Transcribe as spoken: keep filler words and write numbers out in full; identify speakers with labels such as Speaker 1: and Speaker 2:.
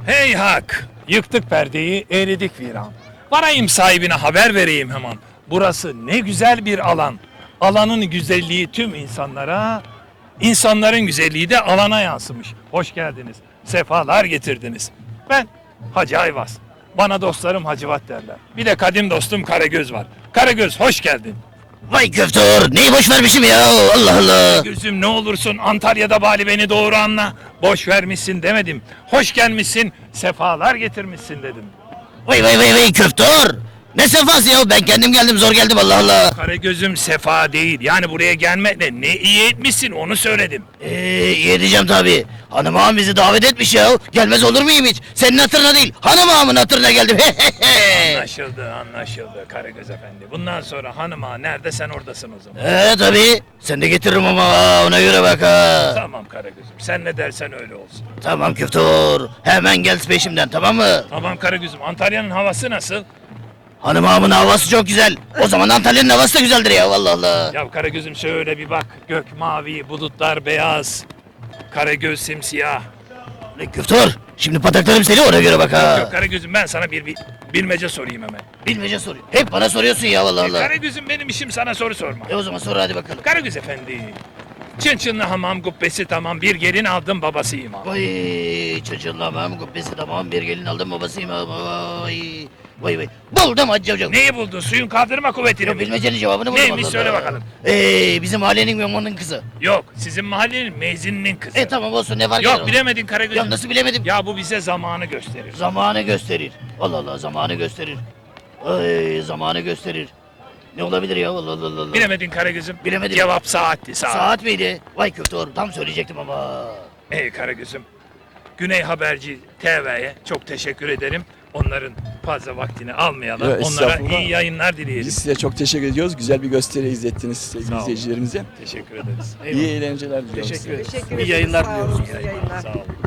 Speaker 1: Heyhak! Yıktık perdeyi, eridik viran. Varayım sahibine haber vereyim hemen. Burası ne güzel bir alan. Alanın güzelliği tüm insanlara, insanların güzelliği de alana yansımış. Hoş geldiniz, sefalar getirdiniz. Ben Hacı Ayvaz. Bana dostlarım Hacivat derler. Bir de kadim dostum Karagöz var. Karagöz hoş geldin.
Speaker 2: Vay köftör, neyi boş vermişim ya, Allah Allah.
Speaker 1: Gözüm ne olursun Antalya'da bari beni doğru anla. Boş vermişsin demedim. Hoş gelmişsin, sefalar getirmişsin dedim.
Speaker 2: Vay vay vay vay köftör. Ne sefası ya, ben kendim geldim, zor geldim, Allah Allah.
Speaker 1: Karagözüm sefa değil. Yani buraya gelmekle ne iyi etmişsin onu söyledim.
Speaker 2: Eee iyi edeceğim tabi. Hanım ağam bizi davet etmiş ya. Gelmez olur muyum hiç? Senin hatırına değil, hanım ağamın hatırına geldim.
Speaker 1: Anlaşıldı anlaşıldı Karagöz efendi. Bundan sonra hanıma nerede sen oradasın o zaman.
Speaker 2: Eee tabi. Sen de getiririm ama ona göre bak ha.
Speaker 1: Tamam Karagözüm sen ne dersen öyle olsun.
Speaker 2: Tamam köftör. Hemen gel peşimden, tamam mı?
Speaker 1: Tamam Karagözüm Antalya'nın havası nasıl?
Speaker 2: Hanım ağamın havası çok güzel. O zaman Antalya'nın havası da güzeldir ya, Allah Allah.
Speaker 1: Ya Karagözüm şöyle bir bak. Gök mavi, bulutlar beyaz. Karagöz simsiyah.
Speaker 2: Ne köftör? Şimdi pataklarım seni, ona göre bak ha.
Speaker 1: Yok Karagözüm ben sana bir, bir bilmece sorayım hemen.
Speaker 2: Bilmece soruyor. Hep bana soruyorsun ya, Allah Allah.
Speaker 1: Karagözüm benim işim sana soru sormak.
Speaker 2: E o zaman sor hadi bakalım.
Speaker 1: Karagöz efendi. Çın çınlı hamam kubbesi tamam bir gelin aldım babasıyım ha.
Speaker 2: Vay çocuğlamam kubbesi tamam, bir gelin aldım babasıyım, vay. Vay vay. Buldum Hacı Hocam.
Speaker 1: Neyi buldun? Suyun kaldırma kuvvetini
Speaker 2: Yok,
Speaker 1: mi?
Speaker 2: bilmecenin cevabını buldum.
Speaker 1: Neymiş,
Speaker 2: Allah
Speaker 1: söyle
Speaker 2: Allah.
Speaker 1: bakalım.
Speaker 2: Ee, bizim mahallenin memonun kızı.
Speaker 1: Yok sizin mahallenin meyzininin kızı.
Speaker 2: E tamam olsun, ne var?
Speaker 1: Yok bilemedin Karagözüm.
Speaker 2: Ya nasıl bilemedim?
Speaker 1: Ya bu bize zamanı gösterir.
Speaker 2: Zamanı gösterir. Allah Allah, zamanı gösterir. Ay, zamanı gösterir. Ne olabilir ya, Allah Allah Allah.
Speaker 1: Bilemedin Karagözüm.
Speaker 2: Bilemedim.
Speaker 1: Cevap saatti saat.
Speaker 2: Saat miydi? Vay köftör, tam söyleyecektim ama.
Speaker 1: Ey Karagözüm. Güney Haberci T V'ye çok teşekkür ederim. Onların fazla vaktini almayalım.
Speaker 3: Ya,
Speaker 1: Onlara
Speaker 3: estağfurullah.
Speaker 1: iyi yayınlar dileyelim.
Speaker 3: Biz size çok teşekkür ediyoruz. Güzel bir gösteri izlettiniz sevgili
Speaker 1: Sağ olun.
Speaker 3: izleyicilerimize.
Speaker 1: Teşekkür ederiz.
Speaker 3: İyi eğlenceler diliyoruz.
Speaker 1: Teşekkür ederiz.
Speaker 4: Teşekkür
Speaker 1: İyi
Speaker 4: ederiz.
Speaker 1: yayınlar
Speaker 4: Sağ
Speaker 1: diliyoruz.
Speaker 4: olun,
Speaker 1: İyi
Speaker 4: iyi
Speaker 1: yayınlar.
Speaker 4: yayınlar.
Speaker 1: Sağ olun.